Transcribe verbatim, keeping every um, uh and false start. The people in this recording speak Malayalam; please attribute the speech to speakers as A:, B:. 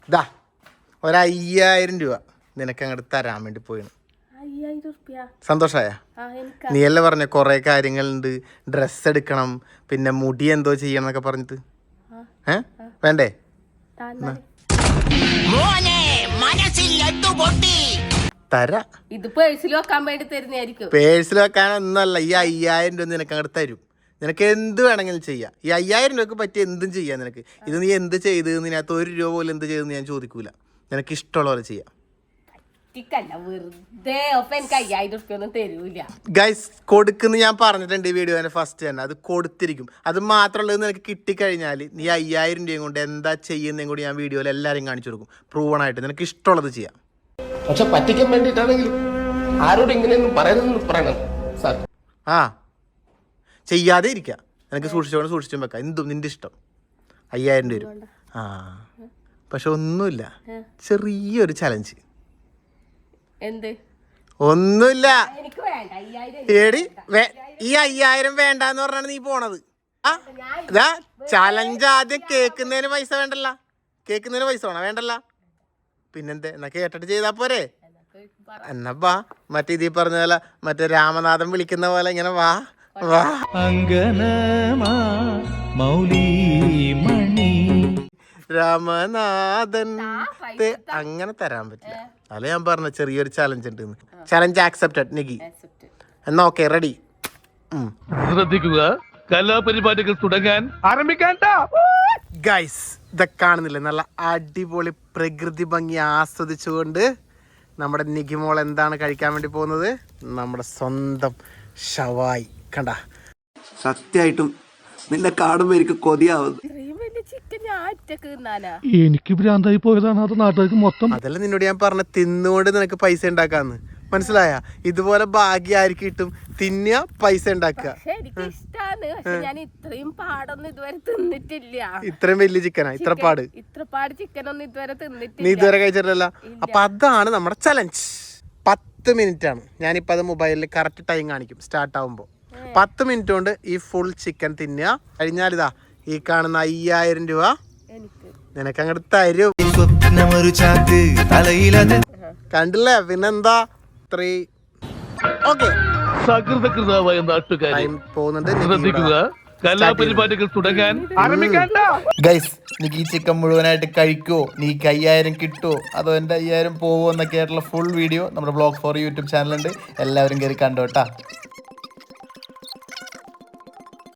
A: ഇതാ ഒരു അയ്യായിരം രൂപ നിനക്ക് അങ്ങോട്ട് തരാൻ വേണ്ടി പോയിന്. സന്തോഷായ? നീയല്ലേ പറഞ്ഞ കൊറേ കാര്യങ്ങളുണ്ട്, ഡ്രസ്സ് എടുക്കണം, പിന്നെ മുടി എന്തോ ചെയ്യണം എന്നൊക്കെ പറഞ്ഞിട്ട്. ഏ വേണ്ടേ? തരാ.
B: ഇത് പേഴ്സിൽ വെക്കാൻ വേണ്ടി തരുന്നതായിരിക്കും.
A: പേഴ്സിൽ വെക്കാനൊന്നല്ല, ഈ അയ്യായിരം രൂപ നിനക്ക് അങ്ങോട്ട് തരും. നിനക്ക് എന്ത് വേണമെങ്കിലും ചെയ്യാം. ഈ അയ്യായിരം രൂപക്ക് പറ്റിയ എന്തും ചെയ്യാം നിനക്ക്. ഇത് നീ എന്ത് ചെയ്ത് ഇതിനകത്ത് ഒരു രൂപ പോലും എന്ത് ചെയ്തെന്ന് ഞാൻ ചോദിക്കൂല. നിനക്ക് ഇഷ്ടമുള്ള പോലെ ചെയ്യാം. ഗൈസ് കൊടുക്കുന്ന ഞാൻ പറഞ്ഞിട്ടുണ്ട് ഈ വീഡിയോന്റെ ഫസ്റ്റ് തന്നെ. അത് കൊടുത്തിരിക്കും. അത് മാത്രമുള്ളത് നിനക്ക് കിട്ടിക്കഴിഞ്ഞാൽ നീ അയ്യായിരം രൂപയും കൊണ്ട് എന്താ ചെയ്യുന്നതും കൂടി ഞാൻ വീഡിയോയിൽ എല്ലാവരും കാണിച്ചു കൊടുക്കും. പ്രൂവൺ ആയിട്ട് നിനക്ക് ഇഷ്ടമുള്ളത് ചെയ്യാം.
C: പക്ഷെ പറ്റിക്കാൻ വേണ്ടിയിട്ടാണെങ്കിൽ ആരോട് ഇങ്ങനെയൊന്നും പറയണമെന്ന് പറയണം സാർ.
A: ആ ചെയ്യാതെ ഇരിക്കുക. നിനക്ക് സൂക്ഷിച്ചോണ്ട് സൂക്ഷിച്ചും വെക്കാം. എന്തും നിന്റെ ഇഷ്ടം. അയ്യായിരം രൂപ വരും. ആ പക്ഷെ ഒന്നുമില്ല, ചെറിയൊരു ചലഞ്ച്.
B: എന്ത്?
A: ഒന്നുമില്ല. ഏടി ഈ അയ്യായിരം വേണ്ടെന്ന് പറഞ്ഞാണ് നീ പോണത്. ആ ഇതാ ചലഞ്ച്. ആദ്യം കേക്കുന്നതിന് പൈസ വേണ്ടല്ല. കേക്കുന്നതിന് പൈസ വേണം വേണ്ടല്ല. പിന്നെന്തേ? എന്നാ കേട്ടിട്ട് ചെയ്താ പോരെ? എന്നാ വാ, മറ്റേ ഇതീ പറഞ്ഞ പോലെ മറ്റേ രാമനാഥൻ വിളിക്കുന്ന പോലെ ഇങ്ങനെ വാ വാ. രാമനാഥൻ അങ്ങനെ തരാൻ പറ്റില്ല. അല്ല ഞാൻ പറഞ്ഞ ചെറിയൊരു ചലഞ്ച് ഉണ്ട്. Challenge accepted Nikki. എന്നാ ഓക്കെ, റെഡി.
D: ശ്രദ്ധിക്കുക, കലാപരിപാടികൾ തുടങ്ങാൻ ആരംഭിക്കാൻ.
A: ഗൈസ് ഇതൊക്കെ കാണുന്നില്ലേ, നല്ല അടിപൊളി പ്രകൃതി ഭംഗി ആസ്വദിച്ചുകൊണ്ട് നമ്മുടെ നികിമോൾ എന്താണ് കഴിക്കാൻ വേണ്ടി പോകുന്നത്? നമ്മുടെ സ്വന്തം ഷവായി. കണ്ട, സത്യമായിട്ടും നിന്നെ കാണുമ്പോ എനിക്ക് കൊതിയാവുന്നു.
D: എനിക്ക് ഭ്രാന്തായി പോയതാണ്. അത് നാട്ടുകാർക്ക് മൊത്തം.
A: അതല്ല നിന്നോട് ഞാൻ പറഞ്ഞ, തിന്നുകൊണ്ട് നിനക്ക് പൈസ ഉണ്ടാക്കാന്ന്. മനസ്സിലായ? ഇതുപോലെ ഭാഗ്യം ആർക്ക് കിട്ടും? തിന്നുക, പൈസ ഉണ്ടാക്കുക. ഇത്രയും വലിയ ചിക്കനാ? ഇത്ര പാട്
B: ഇത്ര പാട് ചിക്കൻ ഒന്നും ഇതുവരെ തിന്നിട്ടില്ല.
A: നീ ഇതുവരെ കഴിച്ചിട്ടില്ല. അപ്പൊ അതാണ് നമ്മുടെ ചലഞ്ച്. പത്ത് മിനിറ്റ് ആണ്. ഞാനിപ്പോ അത് മൊബൈലിൽ കറക്റ്റ് ടൈം കാണിക്കും. സ്റ്റാർട്ട് ആവുമ്പോ പത്ത് മിനിറ്റ് കൊണ്ട് ഈ ഫുൾ ചിക്കൻ തിന്നുക. കഴിഞ്ഞാൽ ഇതാ ഈ കാണുന്ന അയ്യായിരം രൂപ നിനക്ക് അങ്ങോട്ട് തരും. കണ്ടില്ലേ? പിന്നെന്താ? Three okay.
D: സകൃതകൃതമായ നാട്ടുകാർ
A: പോകുന്നുണ്ട്.
D: ശ്രദ്ധിക്കുക, കലാപരിപാടികൾ തുടങ്ങാൻ ആരംഭിക്കാൻ.
A: ഗൈസ് നീക്ക് ഈ ചിക്കൻ മുഴുവനായിട്ട് കഴിക്കുവോ? നീക്ക് അയ്യായിരം കിട്ടുമോ അതോ എൻ്റെ അയ്യായിരം പോവോ എന്നൊക്കെ ആയിട്ടുള്ള ഫുൾ വീഡിയോ നമ്മുടെ ബ്ലോഗ് ഫോർ യൂട്യൂബ് ചാനലുണ്ട്. എല്ലാവരും കയറി കണ്ടോട്ടാ.